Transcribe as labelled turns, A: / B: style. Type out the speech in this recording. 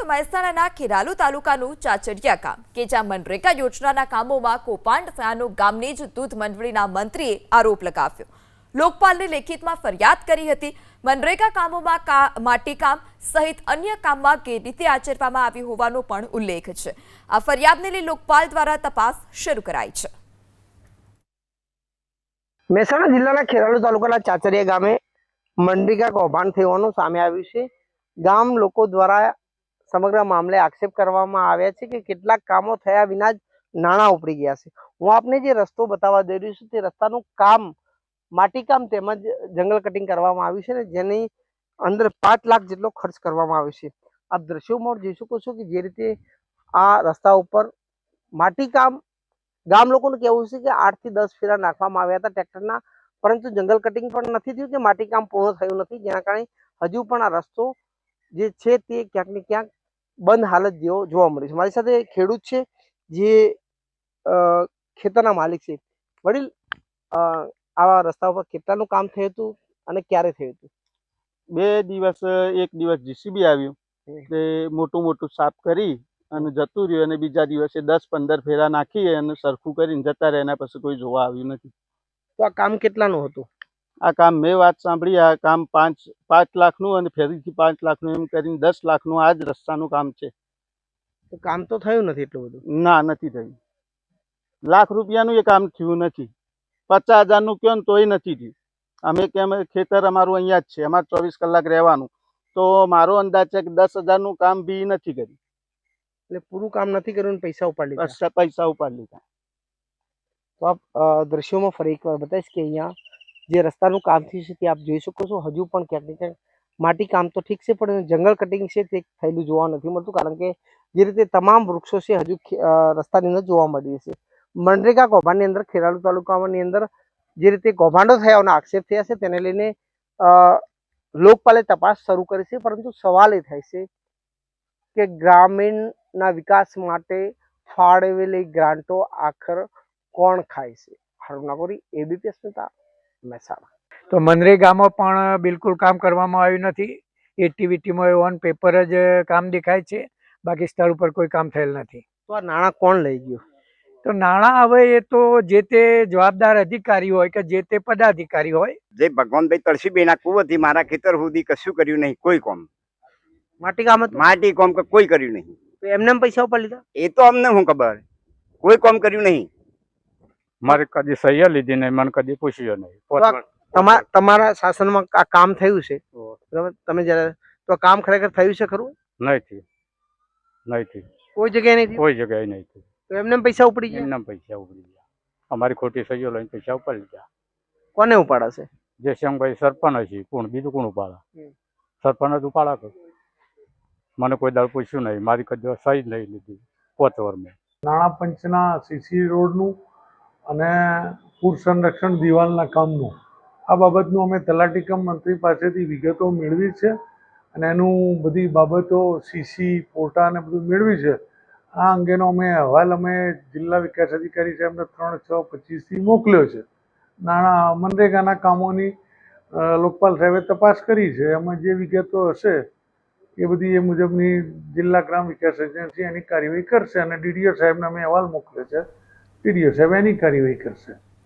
A: મહેસાણાના ખેરાલુ તાલુકાનું ચાચડિયા ગામ કે જ્યાં મનરેગા યોજનાના કામોમાં કૌભાંડ થયાનો ગામની જ દૂધ મંડળીના મંત્રીએ આરોપ લગાવ્યો। લોકપાલને લેખિતમાં ફરિયાદ કરી હતી। મનરેગા કામોમાં માટીકામ સહિત અન્ય કામમાં ગેરરીતિ આચરવામાં આવી હોવાનો પણ ઉલ્લેખ છે। આ ફરિયાદને લઈ લોકપાલ દ્વારા તપાસ શરૂ કરાઈ છે।
B: મહેસાણા જિલ્લાના ખેરાલુ તાલુકાના ચાચડિયા ગામે મનરેગા કૌભાંડ થવાનું સામે આવ્યું છે। ગામ લોકો દ્વારા સમગ્ર મામલે આક્ષેપ કરવામાં આવ્યા છે કે કેટલાક કામો થયા વિના જ નાણાં ઉપડી ગયા છે। હું આપને જે રસ્તો બતાવવા જઈ રહ્યો છું તે રસ્તાનું કામ માટીકામ તેમજ જંગલ કટિંગ કરવામાં આવ્યું છે ને જેની અંદર 5 લાખ જેટલો ખર્ચ કરવામાં આવ્યો છે। આપ દ્રશ્યોમાં જોઈ શકો છો કે જે રીતે આ રસ્તા ઉપર માટીકામ ગામ લોકોનું કહેવું છે કે 8 થી 10 ફેરા નાખવામાં આવ્યા હતા ટ્રેક્ટરના, પરંતુ જંગલ કટિંગ પણ નથી થયું કે માટીકામ પૂર્ણ થયું નથી, જેના કારણે હજુ પણ આ રસ્તો જે છે તે ક્યાંક ને ક્યાંક બંધ હાલત જેવો જોવા મળે છે। મારી સાથે ખેડૂત છે જે ખેતરના માલિક છે। વડીલ, આવા રસ્તા ઉપર કેટલાનું કામ થયું હતું અને ક્યારે થયું હતું?
C: 2 દિવસ, એક દિવસ જીસીબી આવ્યું તે મોટું સાફ કરી અને જતું રહ્યું, અને બીજા દિવસે 10-15 ફેરા નાખી અને સરખું કરીને જતા રહ્યા, એના પછી કોઈ જોવા આવ્યું નથી।
B: તો આ કામ કેટલાનું હતું?
C: આ કામ મેં વાત સાંભળી, આ કામ 5 લાખનું અને ફેરીથી 5 લાખનું એમ કરીને 10 લાખનું આ જ રસ્તાનું કામ છે।
B: તો કામ તો થયું નથી એટલું બધું?
C: ના, નથી થયું। લાખ રૂપિયાનું એ કામ થયું નથી। 50,000નું કહો ને તોય નથી થયું। અમે કેમ, ખેતર અમારું અહીંયા જ છે, અમારે 24 કલાક રહેવાનું, તો મારો અંદાજ છે કે 10,000નું કામ બી નથી કર્યું।
B: એટલે પૂરું કામ નથી કર્યું ને પૈસા ઉપાડી લીધા?
C: પૈસા ઉપાડી લીધા।
B: તો આપ દ્રશ્યોમાં ફરી એકવાર બતાવીશ કે અહીંયા જે રસ્તાનું કામ થયું છે તે આપ જોઈ શકો છો। હજુ પણ ક્યાંક ને ક્યાંક માટી કામ તો ઠીક છે, પણ જંગલ કટિંગ છે તે થયેલું જોવા નથી મળતું, કારણ કે જે રીતે તમામ વૃક્ષો છે હજુ રસ્તાની અંદર જોવા મળી છે। મનરેગા કૌભાંડની અંદર ખેરાલુ તાલુકાની અંદર જે રીતે કૌભાંડો થયાના આક્ષેપ થયા છે તેને લઈને લોકપાલે તપાસ શરૂ કરી છે, પરંતુ સવાલ એ થાય છે કે ગ્રામીણના વિકાસ માટે ફાળવેલી ગ્રાન્ટો આખર કોણ ખાય છે? હારૂન નાગોરી, એબીપી અસ્મિતા, મહેસાણા।
D: તો મનરેગામાં પણ બિલકુલ કામ કરવામાં આવ્યું નથી। એક્ટિવિટીમાં ઓન પેપર જ કામ દેખાય છે, બાકી સ્થળ ઉપર કોઈ કામ થયેલ નથી।
B: તો આ નાણાં કોણ લઈ ગયું?
D: તો નાણાં હવે એ તો જે તે જવાબદાર અધિકારી હોય કે જે તે પદાધિકારી હોય।
E: જે ભગવાનભાઈ તળસીબેના કુવતથી મારા ખેતર સુધી કશું કર્યું નહીં, કોઈ કામ
B: માટી કામ હતું?
E: માટી કામ કોઈ કર્યું નહીં।
B: તો એમને પૈસા ઉપાડી લીધા?
E: એ તો અમને શું ખબર, કોઈ કામ કર્યું નહીં।
F: મારે કદી સહી લીધી નહીં, મને કદી પૂછ્યું નહીં।
B: તમારા શાસનમાં આ કામ થયું છે બરાબર, તમે જયારે તો કામ ખરેખર થયું છે ખરું?
F: નહીં,
B: કોઈ જગ્યાએ નહીં?
F: કોઈ જગ્યાએ નહીં।
B: તો એમને પૈસા ઉપડી ગયા?
F: એમના પૈસા ઉપડી ગયા, અમારી ખોટી સહીઓ લઈને પૈસા ઉપાડી લીધા।
B: કોને ઉપાડાશે?
F: જે શંભાઈ સરપંચ છે, કોણ બીજું કોણ ઉપાડા? સરપંચ જ ઉપાડા કર। મને કોઈ દાળ પૂછ્યું નહીં, મારી કદી સહી જ નહીં લીધી 5 વર્ષમાં।
G: નાણાં પંચના સીસી રોડનું અને પૂર સંરક્ષણ દિવાલના કામનું આ બાબતનું અમે તલાટી કમ મંત્રી પાસેથી વિગતો મેળવી છે, અને એનું બધી બાબતો સીસી ફોટા અને બધું મેળવી છે। આ અંગેનો અહેવાલ અમે જિલ્લા વિકાસ અધિકારી સાહેબને 3/6/25થી મોકલ્યો છે। નાણાં મનરેગાના કામોની લોકપાલ સાહેબે તપાસ કરી છે, એમાં જે વિગતો હશે એ બધી એ મુજબની જિલ્લા ગ્રામ વિકાસ એજન્સી એની કાર્યવાહી કરશે, અને ડીડીઓ સાહેબને અમે અહેવાલ મોકલ્યો છે, ડીડીઓ સાહેબ એની કાર્યવાહી કરશે।